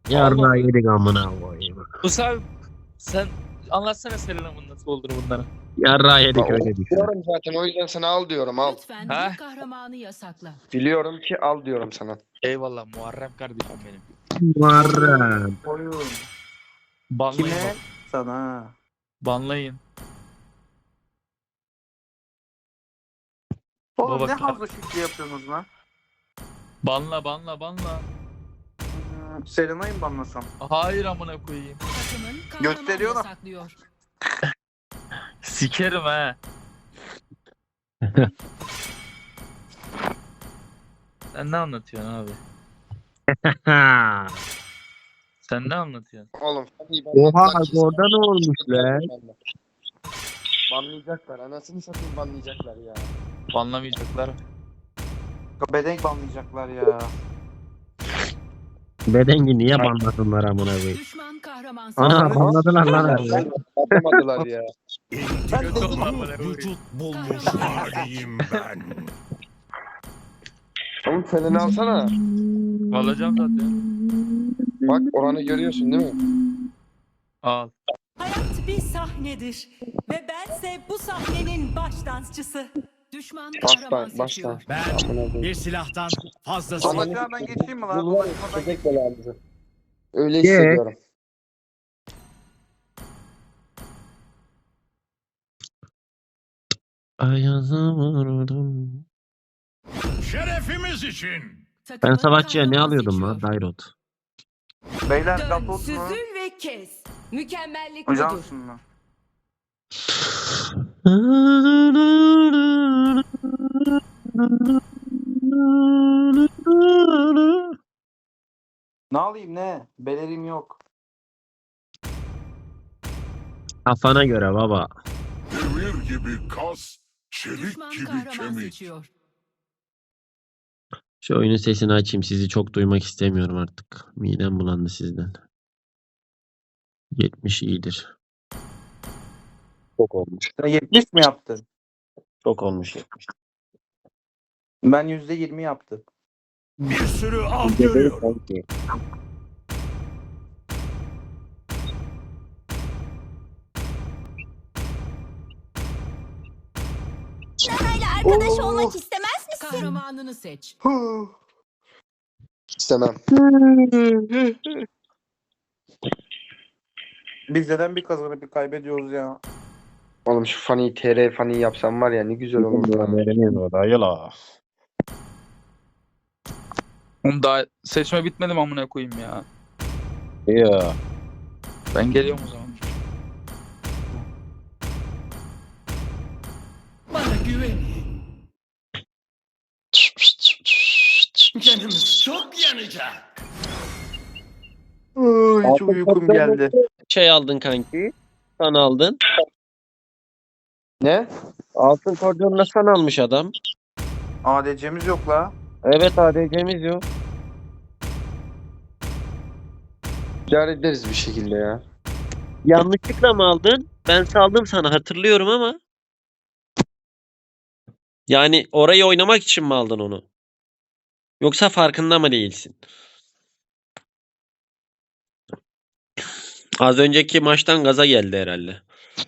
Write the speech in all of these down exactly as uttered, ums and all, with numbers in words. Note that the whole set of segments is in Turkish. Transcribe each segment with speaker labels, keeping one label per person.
Speaker 1: Yarrağı
Speaker 2: Olmadı.
Speaker 1: yedik amına koyayım.
Speaker 2: Musa abi sen anlatsana Selena'nın nasıl olduğunu bunlara.
Speaker 1: Yarrağı yedik
Speaker 3: Ben
Speaker 1: öyle
Speaker 3: onu
Speaker 1: düşün.
Speaker 3: biliyorum zaten, o yüzden sana al diyorum, al.
Speaker 4: Lütfen
Speaker 2: Ha?
Speaker 4: bir kahramanı yasakla.
Speaker 3: Biliyorum ki al diyorum sana.
Speaker 2: Eyvallah Muharrem kardeşim benim.
Speaker 1: Muharrem.
Speaker 5: Oyun.
Speaker 2: Banlayın
Speaker 5: Kime?
Speaker 2: bak.
Speaker 5: Sana.
Speaker 2: Banlayın.
Speaker 5: Oğlum
Speaker 2: Baba
Speaker 5: ne
Speaker 2: kal-
Speaker 5: hazlo şekli yapıyorsunuz lan?
Speaker 2: Banla banla banla.
Speaker 5: Hmm, Serenay'ı mı banlasam?
Speaker 2: Hayır amına koyayım.
Speaker 4: Takımın kahramanı
Speaker 5: Gösteriyor lan.
Speaker 4: yasaklıyor.
Speaker 2: Sikerim he. Sen ne anlatıyorsun abi?
Speaker 1: Ha.
Speaker 2: Sen ne anlatıyorsun?
Speaker 3: Oğlum hadi
Speaker 1: Oha
Speaker 3: banladılar kesin.
Speaker 1: orada ne olmuş lan?
Speaker 3: Banlayacaklar, anasını satayım, banlayacaklar ya.
Speaker 2: Banlamayacaklar.
Speaker 5: Bedenk banlayacaklar ya.
Speaker 1: Bedengi niye banlasınlar amına koyayım?
Speaker 4: Düşman kahraman
Speaker 1: Ana
Speaker 4: seçiyor.
Speaker 1: banladılar lan abi.
Speaker 3: Banlamadılar ya.
Speaker 2: Kötü oldu amına koyayım.
Speaker 6: Vücut bulmuş haliyim ben.
Speaker 3: Oğlum Selen'i alsana.
Speaker 2: Alacağım zaten.
Speaker 3: Bak oranı görüyorsun değil mi?
Speaker 2: Al.
Speaker 7: Hayat bir sahnedir ve bense bu sahnenin baş dansçısı.
Speaker 4: Düşman
Speaker 3: Baştan,
Speaker 4: kahraman
Speaker 3: baştan.
Speaker 4: seçiyor.
Speaker 6: Ben
Speaker 3: Amına koyayım.
Speaker 6: bir silahtan fazlası.
Speaker 5: Ama aşağıdan geçeyim mi lan?
Speaker 3: Bu var ya,
Speaker 5: Başıma da
Speaker 3: köpek belamızı. Öyle
Speaker 1: Ye.
Speaker 3: hissediyorum.
Speaker 1: Ayazı vurdum.
Speaker 6: Şerefimiz için.
Speaker 1: Ben
Speaker 4: Takımın
Speaker 1: savaşçıya ne
Speaker 4: kahraman
Speaker 1: alıyordum lan?
Speaker 4: seçiyor.
Speaker 1: Dairot.
Speaker 5: Beyler
Speaker 7: Dön,
Speaker 5: kapot mu?
Speaker 7: süzül ve kes. Mükemmellik
Speaker 5: Hocam
Speaker 7: budur.
Speaker 5: mı? Ne alayım ne? Belerim yok.
Speaker 1: Kafana göre baba.
Speaker 6: Demir gibi kas, çelik
Speaker 4: Düşman
Speaker 6: gibi
Speaker 4: kahraman
Speaker 6: kemik.
Speaker 4: seçiyor.
Speaker 1: Şu oyunun sesini açayım. Sizi çok duymak istemiyorum artık. Midem bulandı sizden. yetmiş iyidir. Çok olmuş.
Speaker 5: Sen yetmiş mi yaptın?
Speaker 1: Çok olmuş yetmiş.
Speaker 5: Ben yüzde yirmi yaptım.
Speaker 6: Bir sürü av görüyorum.
Speaker 7: Arkadaş
Speaker 5: olmak
Speaker 7: istemez
Speaker 4: Kahramanını seç.
Speaker 3: İstemem.
Speaker 5: Biz neden bir kazanıp bir kaybediyoruz ya?
Speaker 3: Oğlum şu Fanny T R Fanny yapsam var ya, ne güzel olur.
Speaker 1: o
Speaker 2: Oğlum daha seçme bitmedi mi amına koyayım ya?
Speaker 1: Ya.
Speaker 2: Ben geliyorum o zaman.
Speaker 6: Bana güvenin. Canımız çok yanacak.
Speaker 5: Ay, çok uykum geldi.
Speaker 1: Şey aldın kanki. San aldın.
Speaker 3: Ne?
Speaker 1: Altın kordonla san almış adam.
Speaker 5: A D C'miz yok la.
Speaker 1: Evet A D C'miz yok.
Speaker 3: İdare ederiz bir şekilde ya.
Speaker 1: Yanlışlıkla mı aldın? Ben saldım sana hatırlıyorum ama. Yani orayı oynamak için mi aldın onu? Yoksa farkında mı değilsin? Az önceki maçtan gaza geldi herhalde.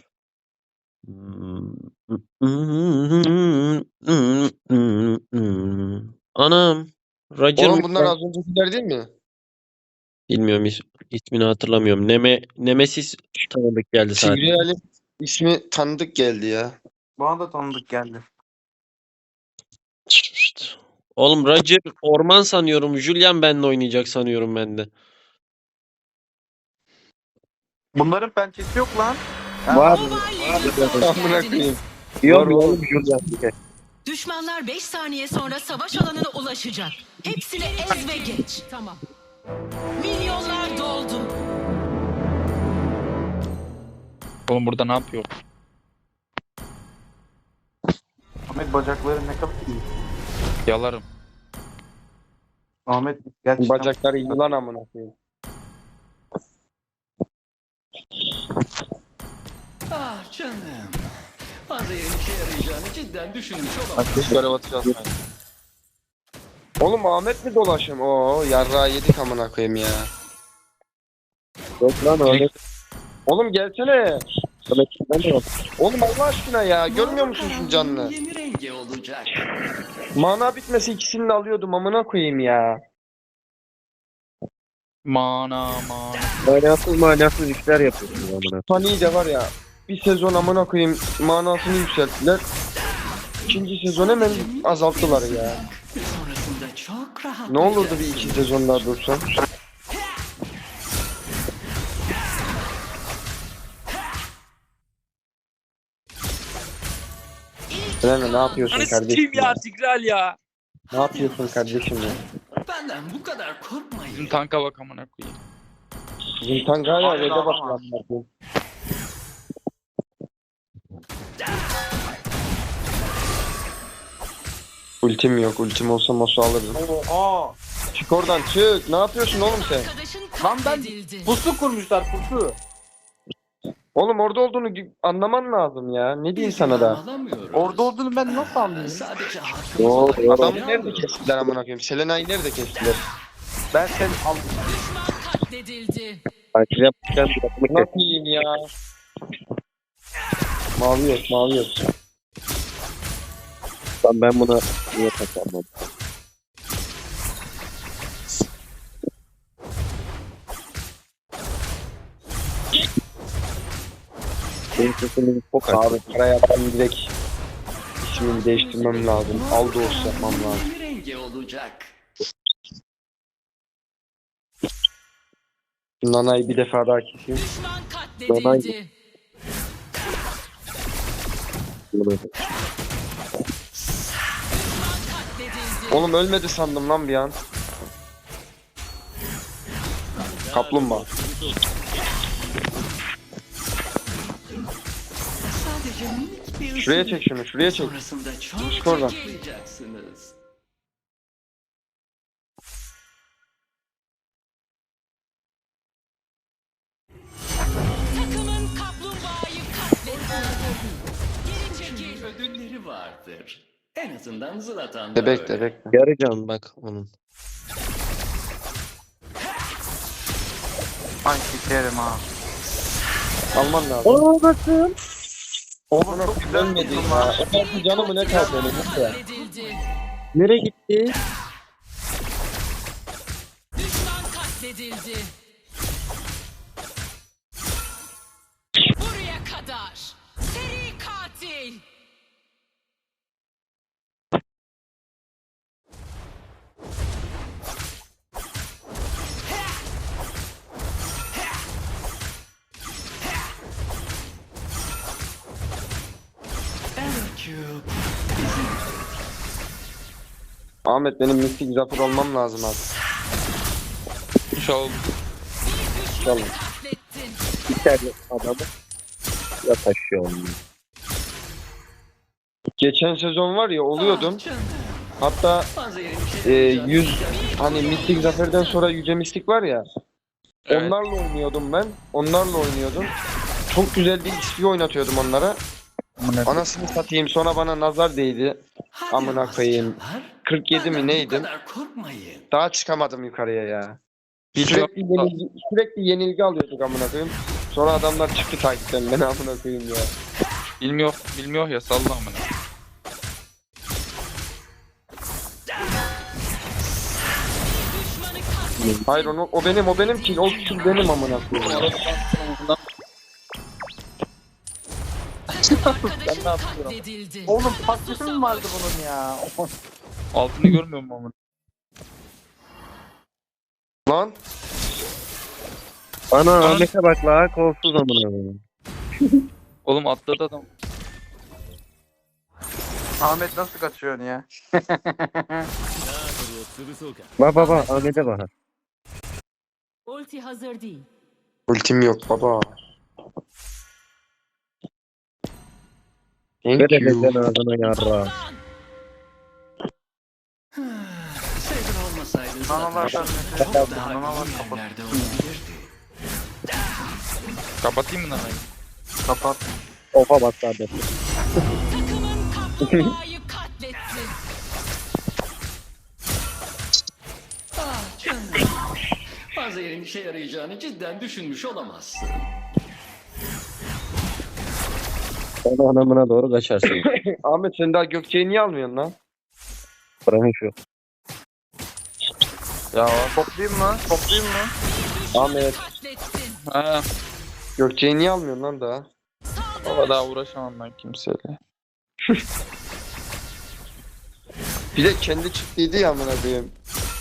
Speaker 1: Anam. Roger
Speaker 3: Oğlum bunlar az öncekiler değil mi?
Speaker 1: Bilmiyorum is- ismini hatırlamıyorum. Neme Nemesis tanıdık geldi sadece.
Speaker 3: Tigreal'in ismi tanıdık geldi ya.
Speaker 5: Bana da tanıdık geldi.
Speaker 1: Oğlum Roger orman sanıyorum. Julian benle oynayacak sanıyorum ben de.
Speaker 5: Bunların pençesi yok lan.
Speaker 1: Var.
Speaker 4: Hoş
Speaker 3: Amına
Speaker 4: geldiniz.
Speaker 3: koyayım.
Speaker 1: Yok
Speaker 3: Var
Speaker 1: oğlum Julian.
Speaker 4: Düşmanlar beş saniye sonra savaş alanına ulaşacak. Hepsini ez ve geç. Tamam. Milyonlar doldu.
Speaker 2: Oğlum burada ne yapıyor?
Speaker 5: Ahmet bacakları ne kadar iyi.
Speaker 2: Yalarım.
Speaker 5: Ahmet gerçekten.
Speaker 3: Bacakları yılan amına koyayım.
Speaker 6: Ah canım. Fazla işe yarayacağını cidden düşünmüş olamam.
Speaker 2: Ateş görev atacağız.
Speaker 3: Oğlum Ahmet mi dolaşım? Oo yarrağı yedik amına koyayım ya.
Speaker 1: Yok lan Ahmet.
Speaker 3: Oğlum gelsene.
Speaker 1: Ahmet ben de yok.
Speaker 3: Oğlum Allah aşkına ya. Görmüyor musun şu canını?
Speaker 6: Yeni rengi olacak.
Speaker 3: Mana bitmesi ikisini de alıyordum. Amına koyayım ya.
Speaker 2: Mana mana.
Speaker 1: Manasız manasız işler yapıyorsun amına.
Speaker 3: Funny de var ya. Bir sezon amına koyayım manasını yükselttiler. İkinci sezon hemen azalttılar ya.
Speaker 6: Sonrasında çok rahat.
Speaker 3: Ne olurdu bir iki sezon daha dursa? Selena ne yapıyorsun
Speaker 2: Hani
Speaker 3: kardeşim?
Speaker 2: sikeyim ya
Speaker 3: ya?
Speaker 2: Tigral ya.
Speaker 3: Ne yapıyorsun kardeşim ya?
Speaker 6: Benden bu kadar korkmayın.
Speaker 2: Bizim tanka bak amına koyayım.
Speaker 3: Bizim tank hala
Speaker 5: Hayır,
Speaker 3: red'e
Speaker 5: alamaz.
Speaker 3: bakıyor. Ultim yok. Ultim olsa Mosu alırdım.
Speaker 5: Aa.
Speaker 3: Çık oradan çık. Ne yapıyorsun oğlum sen?
Speaker 4: Arkadaşın
Speaker 5: Lan ben
Speaker 4: katledildi.
Speaker 5: pusu kurmuşlar pusu.
Speaker 3: Oğlum orada olduğunu gü- anlaman lazım ya. Ne diyeyim
Speaker 6: Biz
Speaker 3: sana da?
Speaker 6: alamıyoruz.
Speaker 5: Orada olduğunu ben nasıl anlayayım?
Speaker 6: Sadece
Speaker 1: Yo,
Speaker 6: hakkımızı
Speaker 1: yo.
Speaker 3: Adamı nerede kestiler amına koyayım? Selena'yı nerede kestiler?
Speaker 5: Ben sen aldım.
Speaker 4: Düşman katledildi.
Speaker 1: Takip yapmışken bir takımı kes.
Speaker 3: Nasıl yiyeyim ya? Mavi yok, mavi yok.
Speaker 1: Lan ben buna niye takarmam? Benim sesimiz çok açık.
Speaker 3: Abi para yaptım direkt. İsmimi değiştirmem lazım. Aldos yapmam lazım.
Speaker 6: Yeni rengi olacak.
Speaker 3: Nana'yı bir defa daha keseyim.
Speaker 4: Düşman katledildi.
Speaker 1: Bunu-
Speaker 4: Düşman katledildi.
Speaker 3: Oğlum ölmedi sandım lan bir an. Kaplumbağa.
Speaker 6: Sadece minik bir
Speaker 3: Şuraya
Speaker 6: ısınma.
Speaker 3: çek şunu, şuraya çek.
Speaker 6: Sonrasında çok
Speaker 3: Çık oradan.
Speaker 6: rahatlayacaksınız.
Speaker 4: Takımın kaplumbağayı katletti. Geri çekil.
Speaker 6: Ödülleri vardır. En azından Zlatan da
Speaker 3: Bebek
Speaker 6: öyle.
Speaker 3: de bekle.
Speaker 1: Yarı can bak onun.
Speaker 5: Ay sikerim ha.
Speaker 3: Alman lazım.
Speaker 1: Aa bakın.
Speaker 5: Oğlum çok güzel
Speaker 3: Ölmedi
Speaker 5: bir
Speaker 3: ya.
Speaker 5: var.
Speaker 3: O kadar canımı ne kaldı benim? Neyse.
Speaker 4: Katledildi.
Speaker 1: Nereye gitti?
Speaker 4: Düşman katledildi. Buraya kadar. Seri katil.
Speaker 6: Evercube.
Speaker 3: Ahmet benim mistik zafer olmam lazım abi.
Speaker 2: İnşallah.
Speaker 4: Bir düşmanı katlettin.
Speaker 1: İçeride adamı. Ya taşıyor onu.
Speaker 3: Geçen sezon var ya oluyordum.
Speaker 6: Ah canım.
Speaker 3: Hatta
Speaker 6: Fazla yerim
Speaker 3: e,
Speaker 6: şey
Speaker 3: yüz hani mistik zaferden sonra yüce mistik var ya.
Speaker 2: Evet.
Speaker 3: Onlarla oynuyordum ben. Onlarla oynuyordum. Çok güzel bir X P oynatıyordum onlara. Anasını satayım sonra bana nazar değdi.
Speaker 6: Hadi
Speaker 3: Amına koyayım.
Speaker 6: aslanlar,
Speaker 3: kırk yedi
Speaker 6: benden
Speaker 3: mi
Speaker 6: bu
Speaker 3: neydim?
Speaker 6: kadar korkmayın.
Speaker 3: Daha çıkamadım yukarıya ya.
Speaker 2: Bir şey
Speaker 3: Sürekli yenilgi, sürekli yenilgi alıyorduk amına koyayım. Sonra adamlar çıktı takipten beni amına koyayım ya.
Speaker 2: bilmiyor, bilmiyor ya salla amına.
Speaker 4: Düşmanı katlettin.
Speaker 3: Hayır onu, o benim o benim ki o kill benim amına koyayım.
Speaker 4: Arkadaşın katledildi.
Speaker 5: Oğlum pasifi mi vardı bunun ya?
Speaker 2: Altını görmüyor musun amına?
Speaker 3: Lan
Speaker 1: Ana Ahmet'e bak la kolsuz amına.
Speaker 2: Oğlum atladı adam.
Speaker 5: Ahmet nasıl kaçıyorsun ya?
Speaker 1: Bak bak bak Ahmet'e bak.
Speaker 4: Ulti hazır değil.
Speaker 3: ultim yok baba. Thank
Speaker 1: Ver
Speaker 3: you.
Speaker 1: elden ağzına yarra.
Speaker 6: Saber olmasaydı
Speaker 5: Nanalar
Speaker 6: zaten
Speaker 5: şarkısı.
Speaker 6: çok daha
Speaker 5: Nanalar
Speaker 6: iyi
Speaker 5: kapat.
Speaker 6: yerlerde olabilirdi.
Speaker 2: Kapatayım mı nanayı?
Speaker 5: Kapat.
Speaker 1: Ofa bak kardeşim.
Speaker 4: Takımın kaplumbağayı katletti.
Speaker 6: Ah canım. Fazla Panzehir'in işe yarayacağını cidden düşünmüş olamazsın.
Speaker 1: Onu anamına doğru kaçarsın.
Speaker 3: Ahmet sen daha Gökçe'yi niye almıyorsun lan?
Speaker 1: Bırakın şu.
Speaker 5: Ya toplayayım mı? Toplayayım mı?
Speaker 3: Ahmet
Speaker 4: Katlettin.
Speaker 5: Ha.
Speaker 3: Gökçe'yi niye almıyorsun lan daha?
Speaker 5: Baba daha uğraşamam ben kimseyle.
Speaker 3: Bir de kendi çıktıydı ya amına koyayım.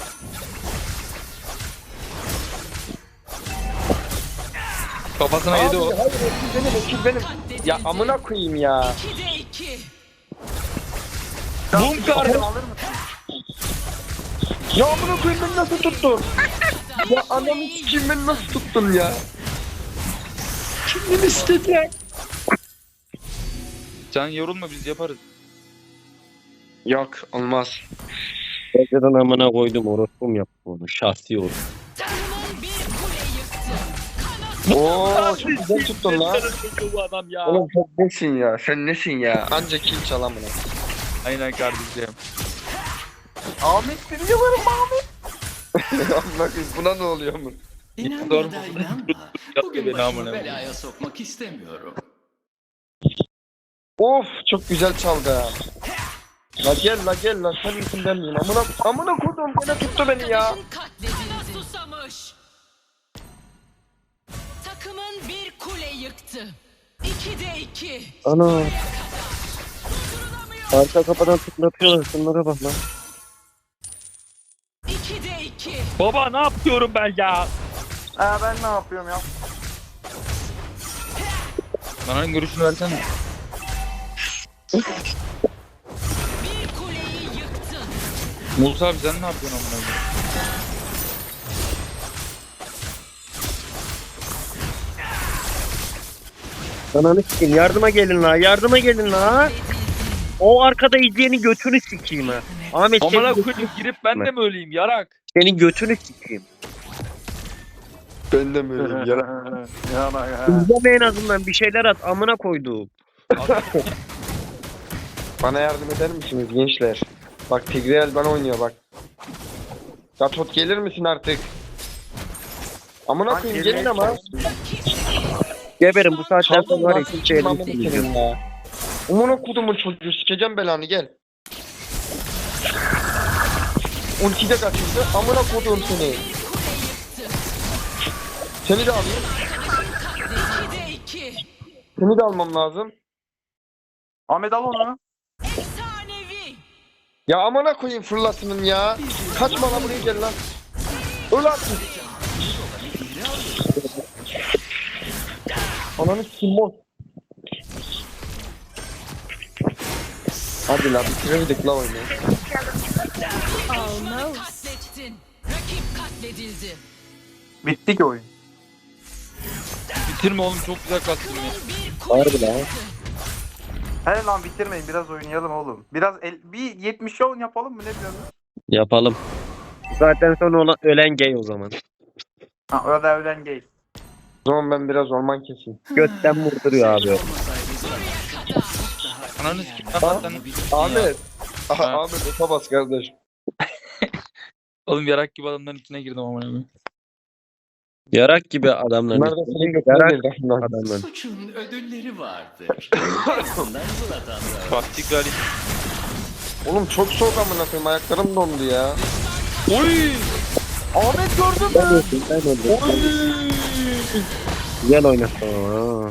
Speaker 5: Kafasına
Speaker 3: Abi,
Speaker 5: yedi o.
Speaker 3: hayır okul benim okul benim.
Speaker 4: Katledildi.
Speaker 3: Ya amına koyayım ya.
Speaker 4: ikide iki.
Speaker 5: Bum kardı alır mısın?
Speaker 3: Ya amına koyayım beni nasıl tuttun? Ya anamı kim beni nasıl tuttun ya? Kim beni istedi ya?
Speaker 5: Sen yorulma biz yaparız.
Speaker 3: Yok olmaz.
Speaker 1: Geceden amına koydum orospum yaptı onu. Şahsi olur.
Speaker 4: Takımın bir kule yıktı.
Speaker 3: Oo çok güzel tuttun lan.
Speaker 2: Bu adam ya.
Speaker 3: Oğlum sen nesin ya? Sen nesin ya? Anca kill çal amına.
Speaker 5: Aynen kardeşim. Ahmet seni yalarım Ahmet.
Speaker 3: Amına koyayım buna ne oluyor mu?
Speaker 6: İnanma
Speaker 5: Doğru.
Speaker 6: da inanma. Bugün
Speaker 5: beni
Speaker 6: başımı
Speaker 5: amına
Speaker 6: belaya sokmak istemiyorum.
Speaker 3: Of çok güzel çaldı ha. La gel la gel la sen misin ben miyim? Amına amına koydum gene tuttu beni ya.
Speaker 4: Arkadaşın katledildi. Susamış. Takımın bir kule yıktı. ikide iki.
Speaker 1: Ana. Arka kapıdan tıklatıyorlar. Şunlara bak lan.
Speaker 4: ikide iki.
Speaker 2: Baba ne yapıyorum ben ya?
Speaker 5: Ha ben ne yapıyorum ya? Bana görüşünü versene.
Speaker 4: Bir kuleyi yıktın.
Speaker 5: Musa abi sen ne yapıyorsun amına koyayım?
Speaker 1: Ananı sikeyim. Yardıma gelin la. Yardıma gelin la. O arkada izleyeni götünü sikeyim ha. Ahmet
Speaker 2: Amına
Speaker 1: senin,
Speaker 2: koyayım girip ben de mi öleyim yarak?
Speaker 1: senin götünü sikeyim.
Speaker 3: Ben de mi öyleyim yara?
Speaker 5: Yana ya.
Speaker 1: İzleme en azından bir şeyler at. Amına koyduğum.
Speaker 3: Bana yardım eder misiniz gençler? Bak Tigreal bana oynuyor bak. Gatot gelir misin artık? Amına
Speaker 5: Lan
Speaker 3: koyayım
Speaker 5: gelmeye
Speaker 3: gelin ama.
Speaker 1: Geberin bu saatten sonra
Speaker 3: Çaldın
Speaker 1: var ya
Speaker 3: lan
Speaker 1: kimse
Speaker 3: sıçayım
Speaker 1: elini
Speaker 3: amına
Speaker 1: silmeyecek.
Speaker 3: senin ya. Amına kodumun çocuğu sikeceğim belanı gel. Ulti de kaçırdı. Amına kodum seni. Seni de alayım.
Speaker 4: ikide iki.
Speaker 3: Seni de almam lazım.
Speaker 5: Ahmet al onu.
Speaker 4: Efsanevi.
Speaker 3: Ya amına koyayım fırlasının ya. Kaçma lan buraya gel lan. Öl artık. Ananı kim mor. Hadi la bitirdik la oyunu.
Speaker 4: Düşmanı katlettin. Rakip katledildi.
Speaker 5: Bitti ki oyun. Bitirme oğlum çok güzel kastım ya.
Speaker 4: Bir kule
Speaker 1: Harbi lan.
Speaker 4: yıktı.
Speaker 5: He lan bitirmeyin biraz oynayalım oğlum. Biraz el, bir yetmiş on yapalım mı ne diyorsun?
Speaker 1: Yapalım. Zaten sonra olan, ölen gay o zaman.
Speaker 5: Ha öyle ölen gay.
Speaker 3: O zaman ben biraz orman keseyim.
Speaker 1: Götten vurduruyor abi.
Speaker 6: Olmasaydı zaten daha
Speaker 5: Ananı
Speaker 6: iyi
Speaker 5: sikeyim,
Speaker 6: yerlerde
Speaker 5: lan sen-
Speaker 6: olabilirdi ya.
Speaker 3: Ahmet. Ah,
Speaker 5: Ha.
Speaker 3: Ahmet ota bas kardeş.
Speaker 5: Oğlum yarak gibi adamların içine girdim amına koyayım.
Speaker 1: Yarak gibi adamlar.
Speaker 3: Bunlar da senin götüne
Speaker 1: Yarak
Speaker 3: girdi aslında.
Speaker 1: adamlar.
Speaker 6: Suçun ödülleri vardır. En azından Zlatan'da.
Speaker 5: Bak Tigrali.
Speaker 3: Oğlum çok soğuk amına koyayım ayaklarım dondu ya.
Speaker 5: Oy! Ahmet gördün
Speaker 1: Ben
Speaker 5: mü?
Speaker 1: öldüm, ben öldüm. Güzel oynattın ama. ha.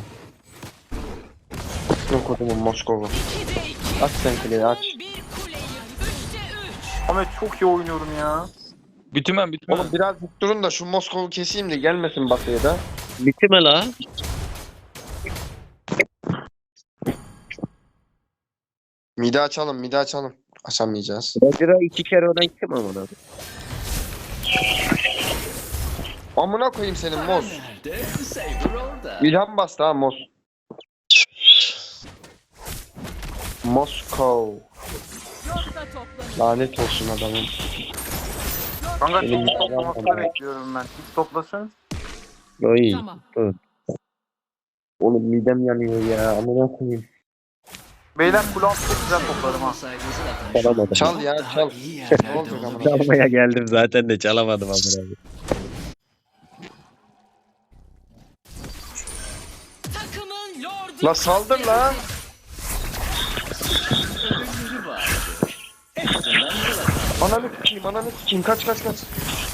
Speaker 3: Yok odumun Moskova.
Speaker 4: ikide iki.
Speaker 3: Aç sen kliği aç.
Speaker 4: Takımın bir kule yıktı. Üçte üç.
Speaker 5: Ahmet çok iyi oynuyorum ya. Bütümen bütümen.
Speaker 3: Oğlum biraz dik durun da şu Moskova'yı keseyim de gelmesin batıya da.
Speaker 1: Bitime la.
Speaker 3: Mide açalım mide açalım. Açamayacağız.
Speaker 1: Roger'a iki kere ölen kim amına?
Speaker 3: Amına koyayım senin
Speaker 6: Para
Speaker 3: Mos.
Speaker 6: nerede? Saber orada.
Speaker 3: İlham bastı ha Mos. Moskov.
Speaker 4: Yoksa toplanın.
Speaker 3: Lanet olsun adamın.
Speaker 5: Kanka
Speaker 3: Benim
Speaker 5: çok
Speaker 3: yalan
Speaker 5: toplamasını
Speaker 3: var.
Speaker 5: bekliyorum ben. Hiç toplasın.
Speaker 1: Oy.
Speaker 4: Tamam.
Speaker 3: Oğlum midem yanıyor ya. Amına koyayım.
Speaker 5: Beyler kulağı çok güzel topladım ha.
Speaker 6: Olmasaydı zaten şu
Speaker 1: Çalamadım.
Speaker 6: an
Speaker 3: Çal ya,
Speaker 6: daha
Speaker 3: çal.
Speaker 6: iyi
Speaker 3: Ne
Speaker 6: yerlerde
Speaker 3: olacak amına?
Speaker 6: olabilirdi.
Speaker 1: Çalmaya geldim zaten de çalamadım amına.
Speaker 3: La saldır la.
Speaker 6: Ödülleri vardı. Hepsinden biraz.
Speaker 3: Ananı sikeyim, ananı sikeyim. Kaç kaç kaç.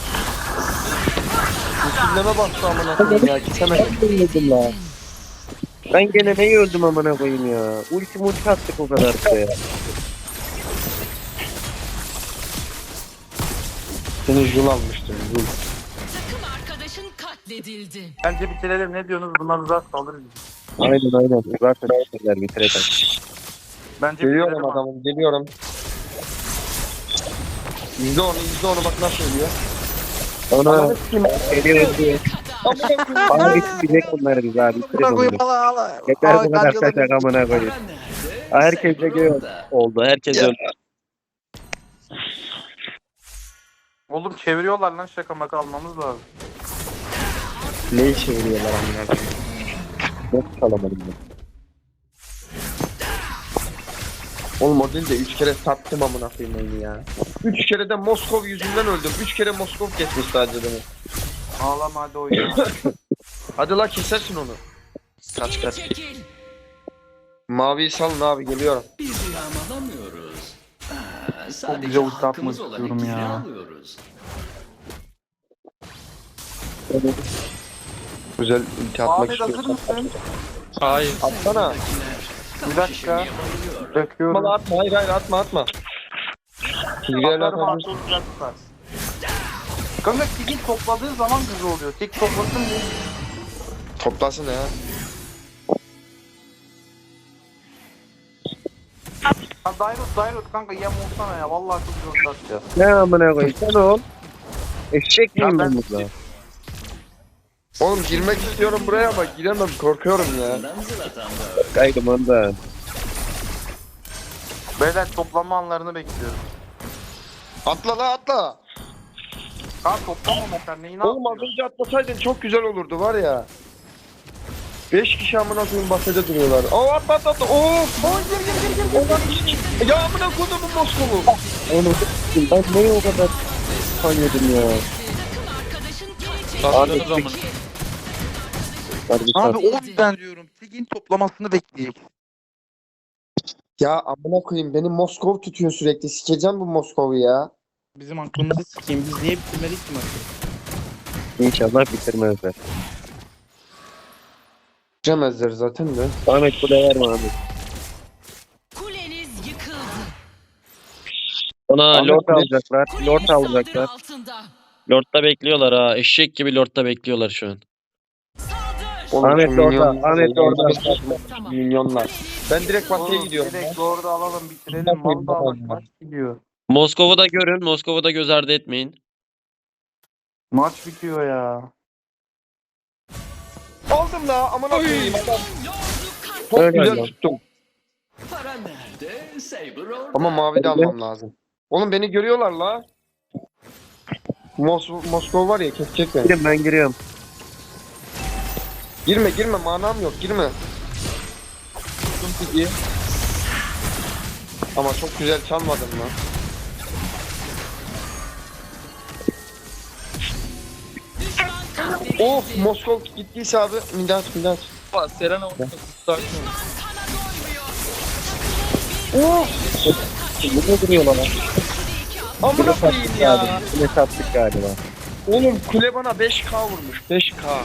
Speaker 3: Üstünleme bastı amına koyayım ya. Kesemedim.
Speaker 1: Öldüm la. Ben gene neyi öldüm amına koyayım ya. Ulti multi attık o kadar ya.
Speaker 3: Seni jul almıştım. Jul.
Speaker 4: Takım arkadaşın katledildi.
Speaker 5: Bence bitirelim. Ne diyorsunuz? Bunlar uzak saldırır bizi.
Speaker 1: Aynen aynen. Zaten şeyler bitirelim.
Speaker 5: Bence
Speaker 3: Geliyorum
Speaker 5: bitirelim.
Speaker 3: adamım, geliyorum. İzle onu, izle onu bak nasıl ölüyor.
Speaker 1: Ona
Speaker 3: Ananı sikeyim.
Speaker 1: geliyor diye.
Speaker 3: Amına koyayım.
Speaker 1: Bana bitecek onları biz abi. Bitirelim onları. Yeter bu kadar kaçak amına koyayım.
Speaker 6: Para nerede?
Speaker 1: Herkes de
Speaker 6: Saber
Speaker 1: gör
Speaker 6: orada.
Speaker 1: oldu. Herkes öldü.
Speaker 5: Oğlum çeviriyorlar lan, şaka maka almamız lazım.
Speaker 3: Neyi çeviriyorlar amına koyayım.
Speaker 1: Nasıl kalamadım ben?
Speaker 3: Oğlum o değil de üç kere sattım amına koyayım oyunu ya. Üç kere de Moskov yüzünden öldüm. Üç kere Moskov kesmiş sadece beni.
Speaker 5: Ağlama hadi oyna.
Speaker 3: Hadi la kesersin onu. Kaç
Speaker 4: Geri
Speaker 3: kaç.
Speaker 4: çekil.
Speaker 3: Maviyi salın abi, geliyorum.
Speaker 6: Biz yağmalamıyoruz. Aa,
Speaker 5: güzel
Speaker 6: sadece
Speaker 5: ulti atmak
Speaker 6: hakkımız olan
Speaker 5: istiyorum
Speaker 6: ikili
Speaker 5: ya.
Speaker 6: alıyoruz.
Speaker 3: Güzel ulti atmak
Speaker 5: Ahmet hazır
Speaker 3: istiyorum.
Speaker 5: mısın?
Speaker 2: Hayır.
Speaker 3: Atsana.
Speaker 5: Bir dakika. Döküyorum.
Speaker 3: Atma atma, hayır hayır atma atma. Tigreal
Speaker 5: Atarım
Speaker 3: atabilirsin.
Speaker 5: artı olacak tutar. Kanka Tig'in topladığı zaman güzel oluyor. Tig toplasın diye.
Speaker 3: Toplasın ya.
Speaker 5: Ha Dairot Dairot kanka yem olsana ya. Vallahi çok güzel atacağız.
Speaker 1: Ne amına koyayım sen ol. Eşek miyim
Speaker 5: Ya
Speaker 1: ben
Speaker 5: ben-
Speaker 1: burada?
Speaker 3: Oğlum girmek istiyorum buraya ama giremem, korkuyorum ya.
Speaker 6: Bundan zılatan da
Speaker 1: Kaydım ondan.
Speaker 5: Beyler toplanma anlarını bekliyorum.
Speaker 3: Atla la atla.
Speaker 5: Ha toplamamışlar neyi ne
Speaker 3: Oğlum az
Speaker 5: yapıyor?
Speaker 3: önce atlasaydın çok güzel olurdu var ya. Beş kişi amına koyayım bahçede duruyorlar. Oo atla atla atla. Oo. Oo gir gir gir gir. gir. Ya amına koydum bu Moskov'u.
Speaker 1: Onu s**tim. Ben neyi o kadar sanıyordum ya.
Speaker 4: Takım arkadaşın geri çekil.
Speaker 2: Saldırın o zaman.
Speaker 1: Hadi bir
Speaker 5: Abi
Speaker 1: saat.
Speaker 5: o yüzden diyorum. Tig'in toplamasını bekleyecek.
Speaker 3: Ya amına koyayım beni Moskov tutuyor sürekli. Sikeceğim bu Moskov'u ya.
Speaker 5: Bizim aklımızı sikeyim. Biz niye bitirmedik ki maçı?
Speaker 1: İnşallah bitirmezler.
Speaker 3: Bitiremezler zaten de.
Speaker 1: Ahmet bu da verme Ahmet.
Speaker 4: Kuleniz yıkıldı.
Speaker 1: Ona
Speaker 3: Ahmet
Speaker 1: lord
Speaker 3: bu ne?
Speaker 1: alacaklar.
Speaker 4: Kuleniz
Speaker 1: Lord
Speaker 4: saldırı
Speaker 1: alacaklar.
Speaker 4: altında.
Speaker 8: Lord'da bekliyorlar ha. Eşek gibi Lord'da bekliyorlar şu an.
Speaker 4: Saldır.
Speaker 3: Oğlum,
Speaker 1: Ahmet
Speaker 3: şu
Speaker 1: de orada,
Speaker 3: milyonlar-
Speaker 1: Ahmet de orada.
Speaker 4: Tamam.
Speaker 3: Milyonlar. Ben direkt batıya
Speaker 5: Oğlum,
Speaker 3: gidiyorum.
Speaker 5: direkt orada alalım bitirelim. Mal da bak maç gidiyor.
Speaker 8: Moskova'da da görün. Moskova'da da göz ardı etmeyin.
Speaker 5: Maç bitiyor ya.
Speaker 3: Aldım la amına koyayım. Çok
Speaker 1: Öyle
Speaker 3: güzel
Speaker 1: lan.
Speaker 3: tuttum.
Speaker 6: para nerede? Saber orada.
Speaker 3: Ama mavi de almam lazım. Oğlum beni görüyorlar la. Mos Moskova var ya kesecek beni.
Speaker 1: Girin ben giriyorum.
Speaker 3: Girme girme manam yok girme. Ama çok güzel çalmadın lan.
Speaker 4: Düşman katledildi.
Speaker 3: Of Moskov gittiyse abi Midat Midat.
Speaker 2: Bak Serena orada sakin ol.
Speaker 4: Düşman kana doymuyor.
Speaker 3: Of
Speaker 1: Ne duruyorlar lan?
Speaker 3: amına koyayım ya.
Speaker 1: Kule sattık galiba.
Speaker 3: Oğlum kule bana beş K vurmuş beş K.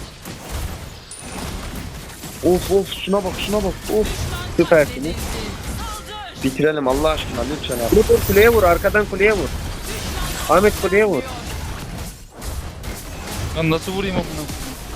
Speaker 3: Of of şuna bak şuna bak of.
Speaker 1: Süpersiniz.
Speaker 3: Bitirelim Allah aşkına lütfen abi.
Speaker 1: Vur vur kuleye vur. Arkadan kuleye vur. Ahmet kuleye vur.
Speaker 2: Lan nasıl vurayım onu?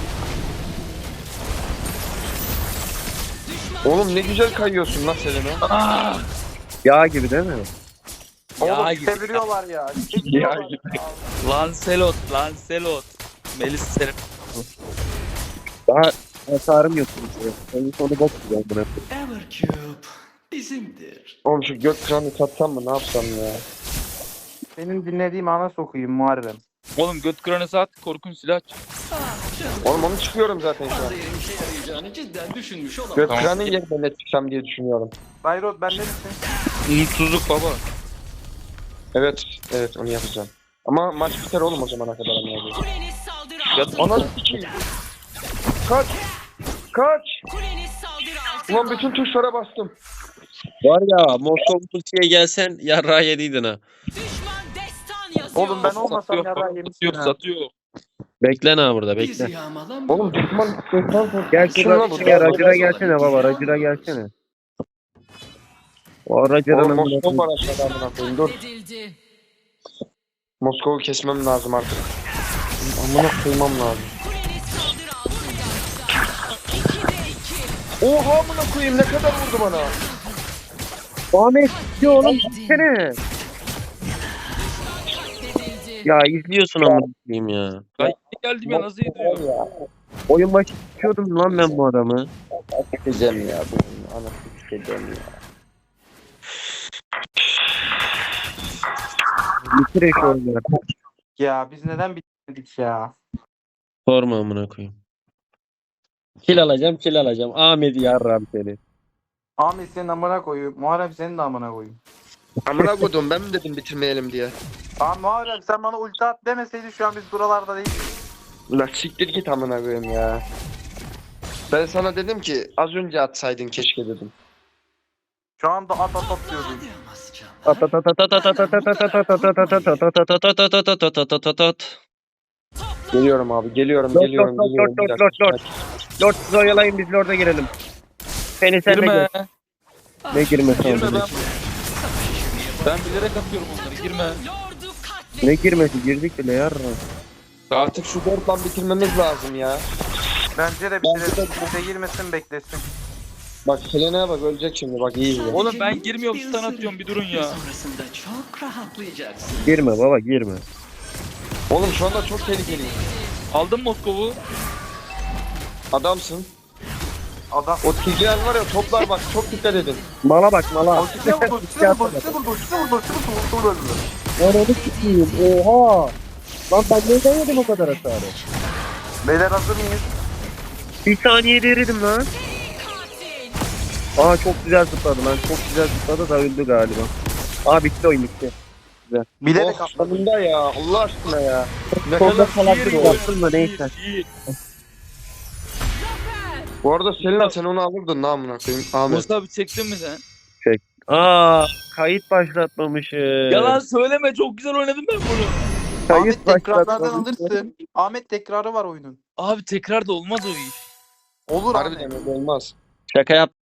Speaker 3: Oğlum ne güzel kayıyorsun lan Selena.
Speaker 1: Yağ gibi değil mi?
Speaker 2: Ya
Speaker 5: Oğlum
Speaker 2: gibi.
Speaker 5: çeviriyorlar ya.
Speaker 3: Ya
Speaker 5: Çeviriyorlar.
Speaker 2: Lancelot, Lancelot. Melis Serena.
Speaker 1: Daha hasarım yok. Ben sonu bok güzel buna.
Speaker 6: Evercube bizimdir.
Speaker 3: Oğlum şu gök kranı satsam mı ne yapsam ya.
Speaker 5: Benim dinlediğim ana sokayım Muharrem.
Speaker 2: Oğlum göt kranısı at, korkunç silah çık.
Speaker 6: Ah canım.
Speaker 3: Oğlum onu çıkıyorum zaten şu an.
Speaker 6: Fazla yerin işe yarayacağını cidden düşünmüş
Speaker 3: Gök
Speaker 6: olamaz.
Speaker 2: Tamam.
Speaker 3: kranın yerine ne çıksam diye düşünüyorum.
Speaker 5: Dairot bende misin?
Speaker 2: Umutsuzluk baba.
Speaker 3: Evet evet onu yapacağım. Ama maç biter oğlum o zamana kadar ama.
Speaker 4: Kuleniz saldırı
Speaker 2: Ya
Speaker 4: altında.
Speaker 3: Ana sikeyim. Kaç. Kaç.
Speaker 4: Kuleniz saldırı
Speaker 3: Ulan bütün tuşlara bastım.
Speaker 8: Var ya Moskova Pusi'ye gelsen yarrağı yediydin ha.
Speaker 4: Düşman destan yazıyor.
Speaker 5: Oğlum ben olmasam
Speaker 2: Satıyor,
Speaker 5: yara
Speaker 2: satıyor,
Speaker 5: yemişsin ha.
Speaker 2: satıyor.
Speaker 8: Bekle ha burada
Speaker 6: Bizi
Speaker 8: bekle.
Speaker 6: yağmalamıyor.
Speaker 3: Oğlum düşman düşman.
Speaker 1: Gel
Speaker 3: Şuna
Speaker 1: şurada
Speaker 3: vur,
Speaker 1: şey
Speaker 3: vur,
Speaker 1: aracına
Speaker 3: vur.
Speaker 1: gelsene baba aracına gelsene. O aracına
Speaker 3: Oğlum
Speaker 1: amına
Speaker 3: Moskova
Speaker 1: koyayım.
Speaker 3: var aşağıda amına koyayım. Dur.
Speaker 4: Katledildi.
Speaker 3: Moskova'yı kesmem lazım artık. Amına koymam lazım.
Speaker 4: Kuleniz saldırı altında. ikide iki.
Speaker 3: Oha amına koyayım ne kadar vurdu bana.
Speaker 1: Ahmet ya oğlum gitsene.
Speaker 4: Katledildi.
Speaker 1: Ya izliyorsun amına koyayım ya.
Speaker 2: Ay geldi ben nasıl ediyor?
Speaker 1: Oyun başı tutuyordum lan ben bu adamı.
Speaker 3: Sikeceğim ya. Bu anasını sikeceğim ya.
Speaker 1: Bitir eş oyunları.
Speaker 5: Ya biz neden bitmedik ya?
Speaker 8: Sorma amına koyayım. Kil alacağım kil alacağım. Ahmet yarram seni.
Speaker 5: Ahmet senin amına koyayım. Muharrem senin de amına koyayım.
Speaker 3: Amına koydum ben mi dedim bitirmeyelim diye.
Speaker 5: Abi Muharrem sen bana ulti at demeseydin şu an biz buralarda değildik.
Speaker 3: La siktir git amına koyayım ya. Ben sana dedim ki az önce atsaydın keşke dedim.
Speaker 5: Şu anda at at at diyordun.
Speaker 6: Hadi ama canlar.
Speaker 3: Geliyorum abi geliyorum
Speaker 1: Lord
Speaker 3: geliyorum
Speaker 1: lord
Speaker 3: geliyorum.
Speaker 1: lord
Speaker 3: Bir
Speaker 1: lord
Speaker 3: dakika.
Speaker 1: lord lord. Lord sizi oyalayın biz Lord'a girelim. Seni sen de
Speaker 2: Girme.
Speaker 1: gör. Ne girmesi
Speaker 2: Girme
Speaker 1: oldu?
Speaker 2: ben. Ben bilerek atıyorum onları girme.
Speaker 4: Lordu katledildi.
Speaker 1: Ne girmesi girdik bile yarra.
Speaker 3: Artık şu dörtten bitirmemiz lazım ya.
Speaker 5: Bence de bitirelim. Kimse girmesin beklesin.
Speaker 3: Bak Selena'ya bak ölecek şimdi bak iyi izle.
Speaker 2: Oğlum ben girmiyorum
Speaker 6: Bir
Speaker 2: stun
Speaker 6: ısırık
Speaker 2: atıyorum bir durun
Speaker 6: ve
Speaker 2: ya.
Speaker 6: sonrasında çok rahatlayacaksın.
Speaker 1: Girme baba girme.
Speaker 3: Oğlum şu anda çok tehlikeli.
Speaker 2: Aldın Moskova'yı.
Speaker 3: Adamsın.
Speaker 5: Adam.
Speaker 3: O Tigreal var ya toplar bak çok dikkat edin.
Speaker 1: Mala bak mala.
Speaker 5: Ultine vurdu, ultine vurdu, ultine vurdu, ultine vurdu, ultine vurdu, ultine vurdu.
Speaker 1: Onu sikiyim. Oha. Lan ben neyden yedim o kadar hasarı?
Speaker 5: Beyler hazır mıyız?
Speaker 1: Bir saniyede eridim lan.
Speaker 4: Katil.
Speaker 1: Aa çok güzel zıpladı lan. Çok güzel zıpladı da öldü galiba. Aa bitti oyun bitti.
Speaker 5: Bilerek
Speaker 3: Oh
Speaker 5: atladım.
Speaker 3: sonunda ya Allah aşkına ya. Ne
Speaker 1: Solda
Speaker 3: kadar
Speaker 1: falan
Speaker 2: iyi
Speaker 1: bir
Speaker 2: oyun.
Speaker 1: yaptın mı neyse.
Speaker 2: İyi, iyi.
Speaker 3: Bu arada Selena sen onu alırdın namına koyayım. Ahmet.
Speaker 2: Mustafa abi çektin mi sen?
Speaker 1: Aa kayıt başlatmamışız.
Speaker 2: Yalan söyleme çok güzel oynadım ben bunu.
Speaker 1: Kayıt
Speaker 5: Ahmet tekrarlardan
Speaker 1: başlatmamışız.
Speaker 5: alırsın. Ahmet tekrarı var oyunun.
Speaker 2: Abi tekrar da olmaz o iş.
Speaker 5: Olur
Speaker 3: Harbiden
Speaker 5: Ahmet.
Speaker 3: öyle olmaz.
Speaker 8: Şaka yap.